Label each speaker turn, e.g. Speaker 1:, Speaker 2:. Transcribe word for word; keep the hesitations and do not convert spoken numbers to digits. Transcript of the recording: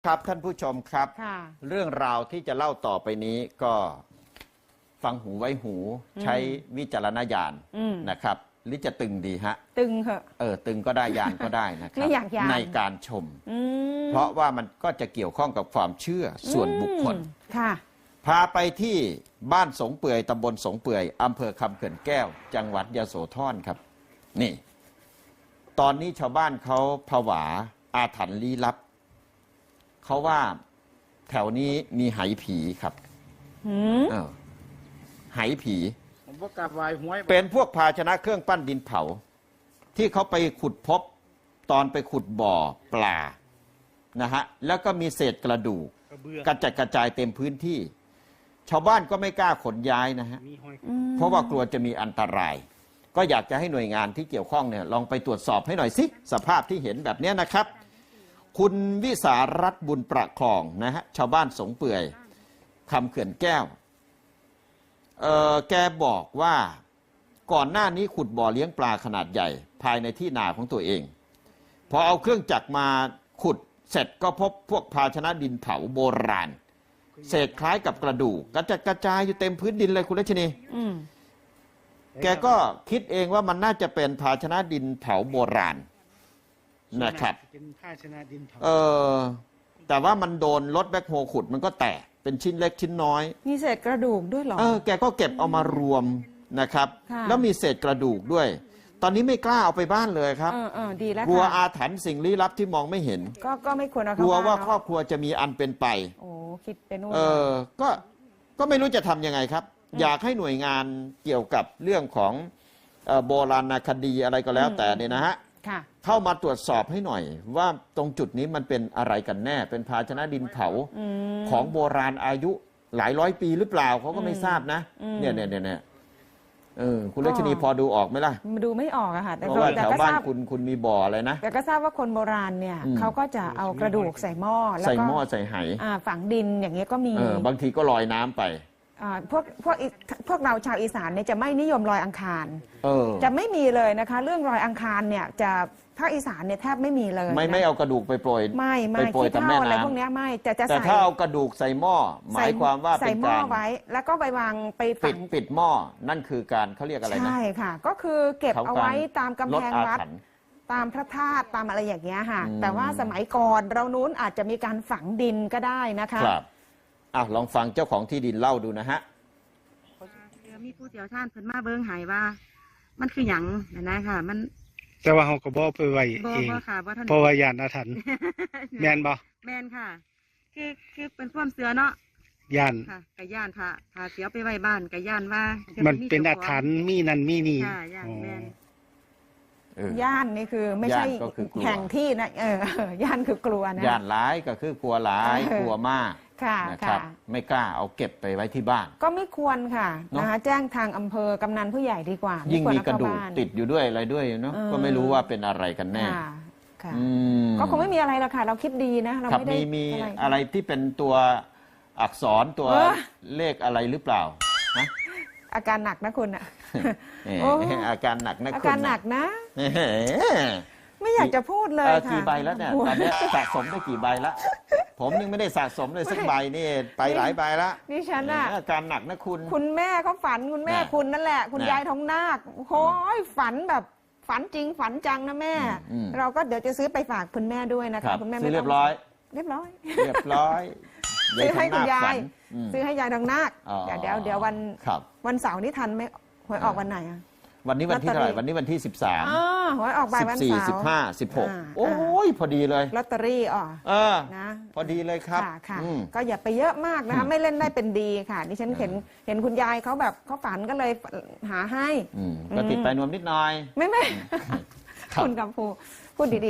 Speaker 1: ครับท่านผู้ชมครับเรื่องราวที่จะเล่าต่อไปนี้ก็ฟังหูไว้หูใช้วิจารณญาณนะครับหรือจะตึงดีฮะ
Speaker 2: ตึงเหอะ
Speaker 1: เออตึงก็ได้ยานก็ได้นะครับในการชมเพราะว่ามันก็จะเกี่ยวข้องกับความเชื่อส่วนบุคคล
Speaker 2: ค่ะ
Speaker 1: พาไปที่บ้านสงเปื่อยตำบลสงเปื่อยอำเภอคำเขื่อนแก้วจังหวัดยโสธรครับนี่ตอนนี้ชาวบ้านเขาผวาอาถรรพ์ลี้ลับเขาว่าแถวนี้มีไหผีครับไหผีเป็นพวกภาชนะเครื่องปั้นดินเผาที่เขาไปขุดพบตอนไปขุดบ่อปลานะฮะแล้วก็มีเศษกระดูกกระจัดกระจายเต็มพื้นที่ชาวบ้านก็ไม่กล้าขนย้ายนะฮะเพราะว่ากลัวจะมีอันตรายก็อยากจะให้หน่วยงานที่เกี่ยวข้องเนี่ยลองไปตรวจสอบให้หน่อยสิสภาพที่เห็นแบบนี้นะครับคุณวิสารัตน์บุญประคองนะฮะชาวบ้านสงเปื่อยคำเขื่อนแก้วเออแกบอกว่าก่อนหน้านี้ขุดบ่อเลี้ยงปลาขนาดใหญ่ภายในที่นาของตัวเองพอเอาเครื่องจักรมาขุดเสร็จก็พบพวกภาชนะดินเผาโบราณเศษคล้ายกับกระดูกกระจัดกระจายอยู่เต็มพื้นดินเลยคุณรัชนีแกก็คิดเองว่ามันน่าจะเป็นภาชนะดินเผาโบราณนะครับเออแต่ว่ามันโดนรถแบ็คโฮขุดมันก็แตกเป็นชิ้นเล็กชิ้นน้อย
Speaker 2: มีเศษกระดูกด้วยหรอ
Speaker 1: เออแกก็เก็บเอามารวมนะครับแล้วมีเศษกระดูกด้วยตอนนี้ไม่กล้าเอาไปบ้านเลยครับ
Speaker 2: เออเออดีแล้ว
Speaker 1: กลัวอาถรรพ์สิ่งลี้ลับที่มองไม่เห็น
Speaker 2: ก็ก็ไม่ควรเอา
Speaker 1: กลัวว่าครอบครัวจะมีอันเป็นไป
Speaker 2: โอ้คิดเป็นนู่น
Speaker 1: เออก็ก็ไม่รู้จะทำยังไงครับอยากให้หน่วยงานเกี่ยวกับเรื่องของโบราณคดีอะไรก็แล้วแต่เนี่ยนะฮะเข้ามาตรวจสอบให้หน่อยว่าตรงจุดนี้มันเป็นอะไรกันแน่เป็นภาชนะดินเผาของโบราณอายุหลายร้อยปีหรือเปล่าเขาก็ไม่ทราบนะเนี่ยเนี่ยเนี่ยเออคุณลักษณีพอดูออกไหมล่ะ
Speaker 2: ดูไม่ออกอะค่ะ
Speaker 1: แต่เพราะว่าแถวบ้านคุณคุณมีบ่ออะไรนะ
Speaker 2: แต่ก็ทราบว่าคนโบราณเนี่ยเขาก็จะเอากระดูกใส่หม้อแล้วก็
Speaker 1: ใส่หม้อใส่ไห
Speaker 2: ฝังดินอย่างเงี้ยก็มี
Speaker 1: บางทีก็ลอยน้ำไป
Speaker 2: พวกพวกพวกเราชาวอีสานเนี่ยจะไม่นิยมลอยอังคารจะไม่มีเลยนะคะเรื่องลอยอังคารเนี่ยจะภาคอีสานเนี่ยแทบไม่มีเลย
Speaker 1: ไม่ไม่เอากระดูกไปโปรย
Speaker 2: ไม่ไม่ขี้เถ้าอะไรพวกนี้ไม่จะจะ
Speaker 1: แต่ถ้าเอากระดูกใส่หม้อหมายความว่า
Speaker 2: ใส่หม้อไว้แล้วก็ไปวางไป
Speaker 1: ปิดปิดหม้อนั่นคือการเขาเรียกอะไรนะ
Speaker 2: ใช่ค่ะก็คือเก็บเอาไว้ตามกำแพงวัดตามพระธาตุตามอะไรอย่างเงี้ยค่ะแต่ว่าสมัยก่อนเรานู้นอาจจะมีการฝังดินก็ได้นะคะ
Speaker 1: ครับอ่ะลองฟังเจ้าของที่ดินเล่าดูนะฮะ
Speaker 3: มีผู้เชี่ยวชาญเพิ่นมาเบิ่งให้ว่ามันคือหยังนะค่ะมัน
Speaker 4: แต่ว่าเขาก็บ่ไปไว้เองเพราะว่าย่านอาถรรพ์แม่นบ่
Speaker 3: แม่นค่ะคือคือเป็นความเชื่อเนาะ
Speaker 4: ย่าน
Speaker 3: ค่ะกะย่านถ้าถ้าเสียไปไว้บ้านกะย่านว่า
Speaker 4: มันเป็นอาถรรพ์มีนั่นมีนี่
Speaker 3: ค่ะย่านแม่น
Speaker 2: ย่านนี่คือไม่ใช่แห่งที่นะเออย่านคือกลัวนะ
Speaker 1: ย่านร้ายก็คือกลัวร้ายกลัวมากนะครับไม่กล้าเอาเก็บไปไว้ที่บ้าน
Speaker 2: ก็ไม่ควรค่ะนะคะแจ้งทางอำเภอกำนันผู้ใหญ่ดีกว่า
Speaker 1: ยิ่งมีกระดูกติดอยู่ด้วยอะไรด้วยเนาะก็ไม่รู้ว่าเป็นอะไรกันแน่
Speaker 2: ก็คงไม่มีอะไรหรอกค่ะเราคิดดีนะเราไม่ได้
Speaker 1: มีมีอะไรที่เป็นตัวอักษรตัวเลขอะไรหรือเปล่านะ
Speaker 2: อาการหนักนะคุณอ่ะ
Speaker 1: อาการหนักนะ
Speaker 2: อาการหนักนะไม่อยากจะพูดเลยค่ะ
Speaker 1: กี่ใบแล้วเนี่ยตอนนี้สะสมได้กี่ใบแล้วผมยังไม่ได้สะสมเลยสักใบนี่ไปหลายใบแล้ว
Speaker 2: นี่ฉันอ่ะ
Speaker 1: อาการหนักนะคุณ
Speaker 2: คุณแม่เขาฝันคุณแม่คุณนั่นแหละคุณยายทองนาคโอ้ยฝันแบบฝันจริงฝันจังนะแม่เราก็เดี๋ยวจะซื้อไปฝากคุณแม่ด้วยนะคะคุณแม่
Speaker 1: ไม่เรียบร้อย
Speaker 2: เรียบร้อย
Speaker 1: เรียบร้อย
Speaker 2: ซื้อให้คุณยายซื้อให้ยายทองนาคเดี๋ยวเดี๋ยวเดี๋ยววันวันเสาร์นี้ทันไหมหวยออกวันไหนอ่ะ
Speaker 1: วันนี้วันที่เท่าไหร่วันนี้วันที่สิบสาม
Speaker 2: อ๋อหวยออกบ่ายวันเสาร์สิบสี่
Speaker 1: สิบห้าสิบหกโอ้ยพอดีเลย
Speaker 2: ลอตเตอรี่อ๋อ
Speaker 1: เออนะพอดีเลยครับ
Speaker 2: ค่ะก็อย่าไปเยอะมากนะคะไม่เล่นได้เป็นดีค่ะดิฉันเห็นเห็นคุณยายเขาแบบเขาฝันก็เลยหาให้
Speaker 1: ก็ติดไปนวมนิดหน่อย
Speaker 2: ไม่ไม่คุณกับผู้พูดดี